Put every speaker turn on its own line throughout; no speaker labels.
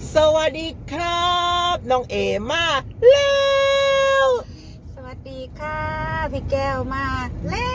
สวัสดีครับน้องเอมาแล้ว
สวัสดีค่ะพี่แก้วมาแล้ว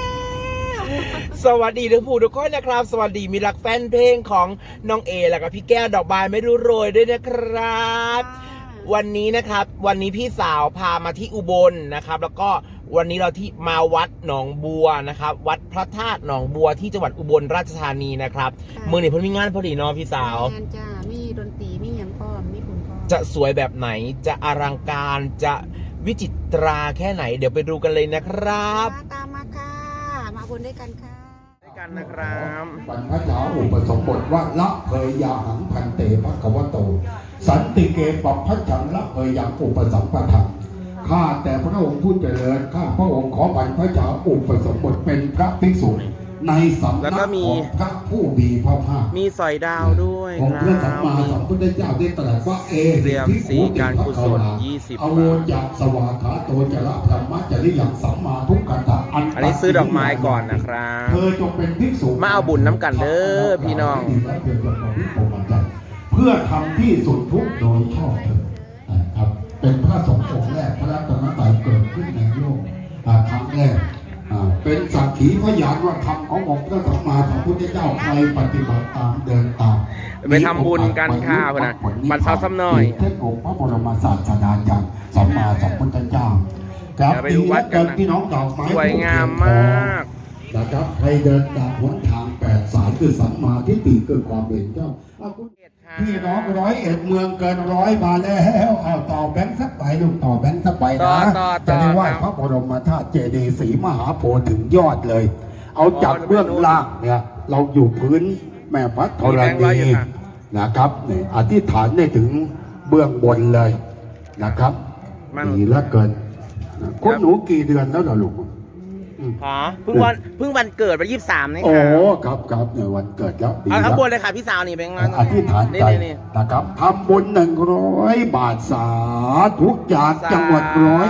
สวัสดีทุกผู้ทุกคนนะครับสวัสดีมีรักแฟนเพลงของน้องเอแล้วก็พี่แก้วดอกบานไม่รู้โรยด้วยนะครับวันนี้นะครับวันนี้พี่สาวพามาที่อุบลนะครับแล้วก็วันนี้เราที่มาวัดหนองบัวนะครับวัดพระธาตุหนองบัวที่จังหวัดอุบลราชธานีนะครับเมื่อนี้เพิ่งมีงานพอดีเนาะพี่สาว
งานจ้ามีดนตรีมีอย่างพ่อมีคุณพ่อ
จะสวยแบบไหนจะอลังการจะวิจิตราแค่ไหนเดี๋ยวไปดูกันเลยนะครับ
ตามมาค่ะมาบนด้วยกันค่ะ
ด้วยกันนะครับ
บรรพชาอุปสมบทว่าละเพยยาหังพันเตภควโตสันติเกปัพพชังละเพยยังอุปสัมปทังข้าแต่พระองค์ผู้เจริญข้าพระองค์ขอบรรพชาอุปสมบทเป็นพระภิกษุในสำนักของพระผู้มีพระภาค
มีสอยดาวด้วย
องค์พระสัมมาสัมพุทธเจ้าได้ตรัสว่าเอหิภิกขุการกุศล20 อโวจักสวากขาโตจระพรหมจริยังสัมมาทุกขันธะ
อันนี้ซื้อดอกไม้ก่อนนะครับ
เธอจงเป็นภิกษุ
มาเอาบุญน้ำกันเด้อพี่น้อง
เพื่อทำที่สุดทุกโดยชอบเถิดครับเป็นพระสงฆ์องค์แรกพระรัตนตรัยเกิดขึ้นในโลกครั้งแรกเป็นสักขีพยานว่าธรรมขององค์พระสัมมาสัมพุทธเจ้าใครปฏิบัติตามเดินตาม
ไปทำบุญกันข้าวนะบรรเทาซ้ำหน่อย
เทศองค์พระบรมศาสดาจารย์สัมมาสัมพุทธเจ้าครับ
ไปดูวัดกัน
พี่น้องดอกไม้
สวยงามมาก
นะครับให้เดินตามหนทาง8 สายคือสัมมาทิฏฐิคือความเป็นเจ้าพี่น้อง101เมืองเกิน100มาแล้วเอาต่อแบงค์สักใบลูกต่อแบงค์สักใบนะจะได้ไหว้พระบรมธาตุเจดีย์ศรีมหาโพธิ์ถึงยอดเลยเอาจากเบื้องล่างเนี่ยเราอยู่พื้นแม่พระธรณีนะครับนี่อธิษฐานได้ถึงเบื้องบนเลยนะครับดีเหลือเกินคุณหนูกี่เดือนแล้วล่ะลูก
อ๋อเพิ่งวันเกิดวัน23นี่ค่ะ
โอ้ครับเนี่ยวันเกิดแล้ว
เอาทั้งบนเลยค่ะพี่สาวนี่เป็นไง
อธิษฐานใจนะครับทำบุญ100 บาทสาธุจากจังหวัด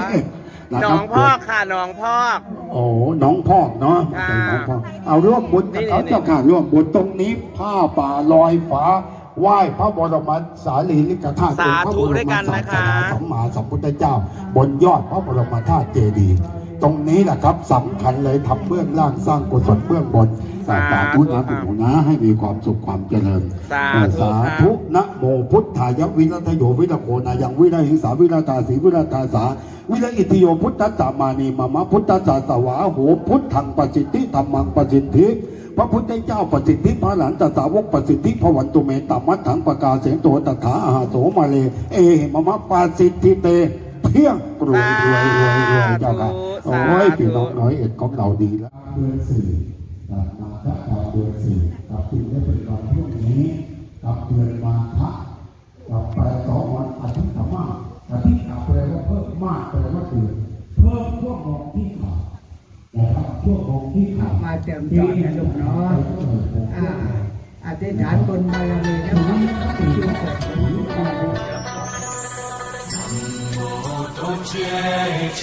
101
น้องพ่อค่ะน้องพ่อ
โอ้น้องพ่อเนาะเอาร่วมบุญกับเขาเจ้าค่ะร่วมบุญตรงนี้ผ้าป่าลอยฟ้าไหว้พระบรมสารีริกธาตุ
สาธุด้วยกันนะคะ
สัมมาสัมพุทธเจ้าบนยอดพระบรมธาตุเจดีย์ตรงนี้แหละครับสำคัญเลยทำเบื้องล่างสร้างกุศลเบื้องบนสาธุนะคุณหนูนะให้มีความสุขความเจริญสาธุนะโมพุทธายวิรัตโยวิรโคนายังวิรัหิงสาวิรัตาสีวิรัตาสาวิรัอิติโยพุทธัสสะมานีมามะพุทธัสสะสวาโหพุทธังปสิทธิธรรมังปสิทธิพระพุทธเจ้าปสิทธิพระหลานตสาวกปสิทธิพระวันตุเมตามัตถังปกาเสงโตตถาอาหาโสมาเลเอหิมะมะปาสิทธิเตเพียงรวยเจ้าค่ะโอ้ยพี่น้อง101ของเราดีแล้วเดือน4มาฆะเดือน4กับปีได้เป็นวันพรุ่งนี้กับเดือนมาฆะกับแปล2 วันอาทิตย์ธรรมะอาทิตย์แปลว่าเพิ่มมากแปลว่าเกิดเพิ่มช่วงของที่ขาดนะครับช่วงของที่ขาด
มาเติมจอดนะลูกเนาะอธิษฐานบนบารมีนะมันชีวิต
坚强，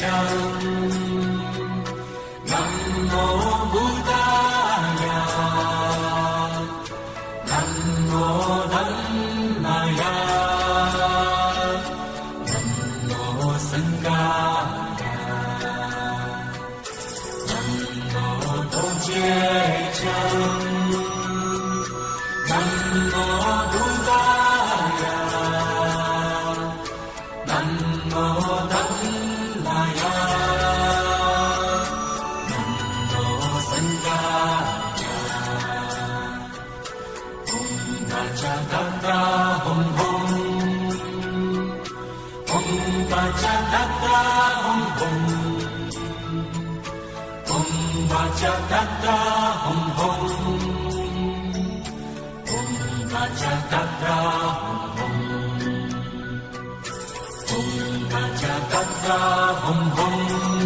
南无布达雅，南无达那雅，南无僧伽雅，南无多杰强，南无布达雅，南无达。Jakarta hum hum Jakarta hum hum Jakarta hum hum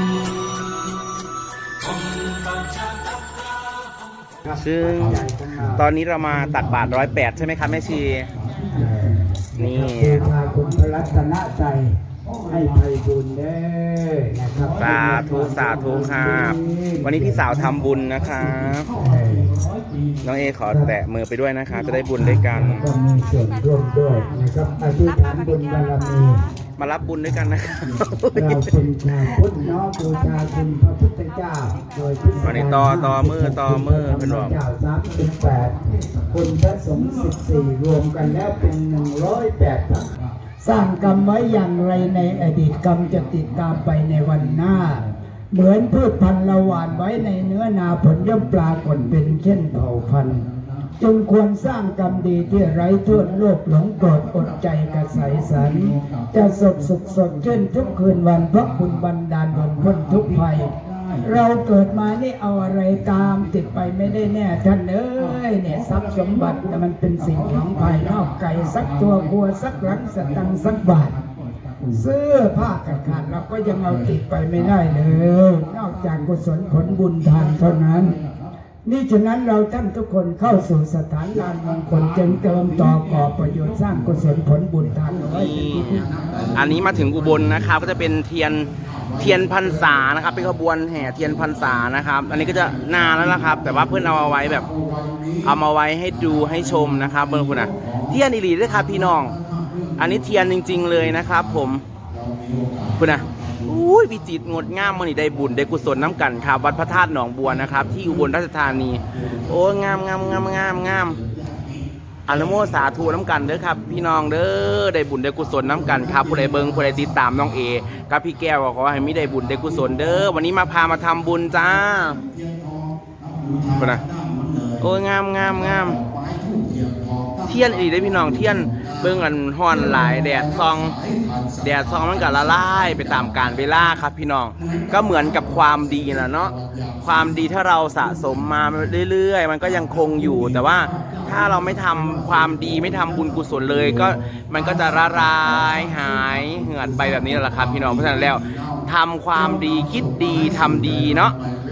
Jakarta
ซึ่งตอนนี้เรามาตักบาตร108ใช่ไหมครับแม่ชีนี่
พาคุณพระรัตนใจให้ไพบุญเด้อนะครับ
สาธุสาธุครับวันนี้พี่สาวทำบุญนะครับน้องเอขอแตะมือไปด้วยนะคะจะได้บุญด้วยกัน
ก็มีส่วนร่วมด้วยนะครับอธิษฐานบุญบารมี
มารับบุญด้วยกันนะครับ
เราเป็นชาวพุทธน้อมบูชาคุณพระพุทธเจ้าโดยพิเศษ
วันนี้ต่อมือเป็นบอก
เจ้า38คุณพระสงฆ์14รวมกันแล้วเป็น108ครับสร้างกรรมไว้อย่างไรในอดีตกรรมจะติดตามไปในวันหน้า เหมือนพืชพันธุ์ละหว่านไว้ในเนื้อนาผลย่อมปรากฏเป็นเช่นเผ่าพันธุ์จงควรสร้างกรรมดีที่ไร้โทษโลภหลงโกรธอดใจกระใสสันจะสุขสดชื่นทุกคืนวันเพราะบุญบันดาลผลพ้นทุกภัย เราเกิดมานี่เอาอะไรตามติดไปไม่ได้แน่ท่านเอ้ยเนี่ยทรัพย์สมบัติมันเป็นสิ่งของภายนอกไก่สักตัวครัวสักหลังสตังค์สักบาทเสื้อผ้าขาดเราก็ยังเอาติดไปไม่ได้เลยนอกจากกุศลผลบุญทานเท่านั้นนี่ฉะนั้นเราท่านทุกคนเข้าสู่สถานลานมงคลจึงเติมต่อก่อประโยชน์สร้างกุศลผลบุญทานเอาไว้เป็นที่พึ่ง
อันนี้มาถึงอุบลนะครับก็จะเป็นเทียนพรรษานะครับเป็นขบวนแห่เทียนพรรษานะครับอันนี้ก็จะนานแล้วนะครับแต่ว่าเพื่อนเอาไว้แบบเอามาไว้ให้ดูให้ชมนะครับเพื่อนคุณนะเทียนอีหลีด้วยครับพี่น้องอันนี้เทียนจริงๆเลยนะครับผมคุณนะอุ้ยวิจิตรงดงามมันนี่ได้บุญได้กุศลน้ำกันครับวัดพระธาตุหนองบัวนะครับที่อุบลราชธานีโอ้งามอนุโมสาธุน้ำกันเด้อครับพี่น้องเด้อได้บุญได้กุศลน้ำกันครับผู้ใดเบิ่งผู้ใดติดตามน้องเอกับพี่แก้วขอให้มีได้บุญได้กุศลเด้อวันนี้พามาทำบุญจ้านะโอ้ยงามเทียนอีกได้พี่น้องเทียนเบิ่งกันฮ้อนหลายแดดซองมันก็ละลายไปตามกาลเวลาครับพี่น้องก็เหมือนกับความดีนะเนาะความดีถ้าเราสะสมมาเรื่อยๆมันก็ยังคงอยู่แต่ว่าถ้าเราไม่ทำความดีไม่ทำบุญกุศลเลยก็มันก็จะละลายหายเหือดไปแบบนี้แหละครับพี่น้องเพราะฉะนั้นแล้วทำความดีคิดดีทำดีเนาะ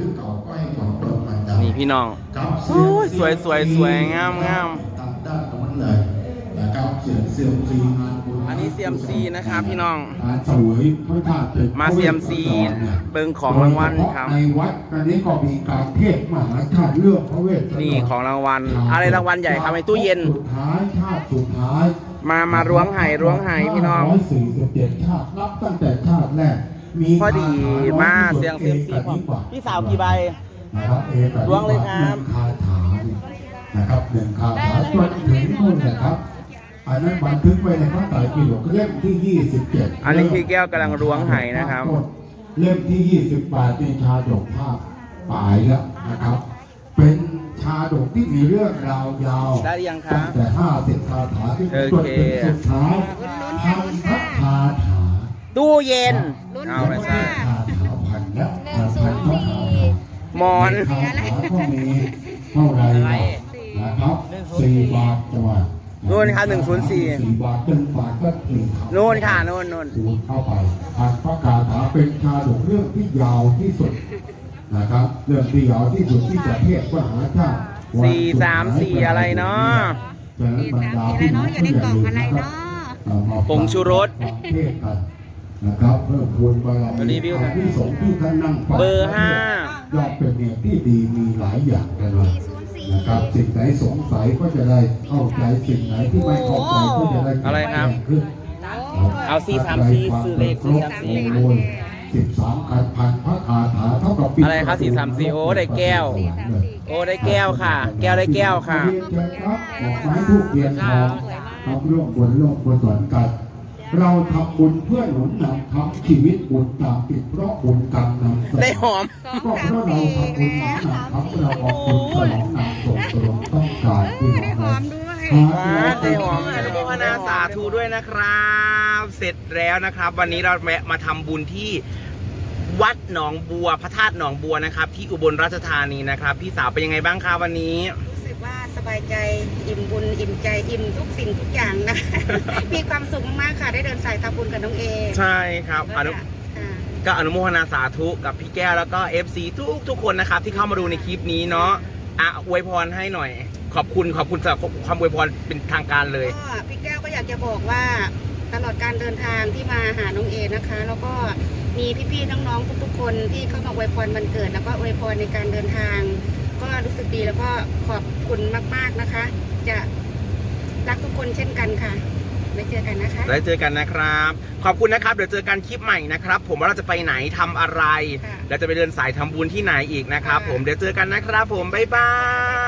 นี่พี่น้องโอ้ยสวยงามอันนี้เซียมซีนะครับพี่น้องมาเซียมซีเบิ่งของรางวัลครับ
ในวัดอันนี้ก็มีการเทศมหาชาติเรื่องพระเวท
นี่ของรางวัลอะไรรางวัลใหญ่ครับในตู้เย็น
สุดท้ายชาติสุดท้าย
มาล้วงไห่พี่น้อง
147ชาตินับตั้งแต่ชาติแรกมี
พอดีมาเสียงเซียมซีพี่สาวกี่ใบล้วงเลยครับ
คาถานะครับหนึ่งคาถาจนถึงนู่นนะครับอันนั้นบันทึกไว้ในพระไตรปิฎกเล่มที่27
อันนี้พี่แก้วกำลังล้วงไห่นะครับ
เล่มที่28เป็นชาดกภาพปลายแล้วนะครับเป็นชาดกที่มีเรื่องราวยาว
ได้ยังครับ
ตั้งแต่50คาถาที่จนถึงสุดท้ายพันพระคาถา
ตู้เย็นเอาไปใช่
คาถาพันแล้ว
มอน
คาถาก็มีเท่าไรนะครับ4 บาทจังหวะ
นู่นค่ะ104
4 บาท1 บาทก็4
นู่นค่ะนู่น
เข้าไปพันพระคาถาเป็นชาดกเรื่องที่ยาวที่สุดนะครับเรื่องที่ยาวที่สุดที่ประเทศมหาชาติ
434อะไรเนาะ
434อะไรเนาะอยู่ในกล่องอะไรเนาะ
ผงชูรส
นะครับเพิ่มพูนบารมีที่สงที่ท่านนั่ง
เบอร์
5ยอดเป็นเนี่ยที่ดีมีหลายอย่างเลยนะครับสิ่งไหนสงสัยก็จะได้เข้าใจสิ่งไหนที่ไม่เข้าใจก็จะได้
อะไรครับเอา434ซื้อเลข13คันพันพระคาถาเท่ากับอะไรครับ434โอ้ได้แก้วโอ้ได้แก้วค่ะแก้วได้แก้วค่ะ
ดอกไม้ทูบเทียนทองทำร่วมบุญส่วนกันเราทำบุญเพื่อหนุนนำทำชีวิตบุญตามติดเพราะบุญกรรมนำ
ได้หอม
ก็เพราะเราทำบุญนำทำเราออกบุญฉลองนำส่งตรงต้องการที่เรา
ได้หอมอนุโมทนาสาธุด้วยนะครับเสร็จแล้วนะครับวันนี้เราแวะมาทำบุญที่วัดหนองบัวพระธาตุหนองบัวนะครับที่อุบลราชธานีนะครับพี่สาวเป็นยังไงบ้างคะวันนี้
รู้สึกว่าสบายใจอิ่มบุญอิ่มใจอิ่มทุกสิ่งทุกอย่างนะ มีความสุขมากค่ะได้เดินสายทำบุญกับน้องเอ
ใช่ครับก็อนุโมทนาสาธุกับพี่แก้วแล้วก็ FC ทุกคนนะครับที่เข้ามาดูในคลิปนี้เนาะอวยพรให้หน่อยขอบคุณสำหรับความอวยพรเป็นทางการเลย
พี่แก้วก็อยากจะบอกว่าตลอดการเดินทางที่มาหาน้องเอนะคะแล้วก็มีพี่ๆน้องๆทุกๆคนที่เข้ามาอวยพรวันเกิดแล้วก็อวยพรในการเดินทาง ก็รู้สึกดีแล้วก็ขอบคุณมากๆนะคะ จะรักทุกคนเช่นกันค่ะไว้เจอกันนะคะ
แล้วเจอกันนะครับ ขอบคุณนะครับเดี๋ยวเจอกันคลิปใหม่นะครับผมว่าเราจะไปไหนทำอะไร
ค่ะ
แล้วจะไปเดินสายทำบุญที่ไหนอีกนะครับผมเดี๋ยวเจอกันนะครับผมบ๊ายบาย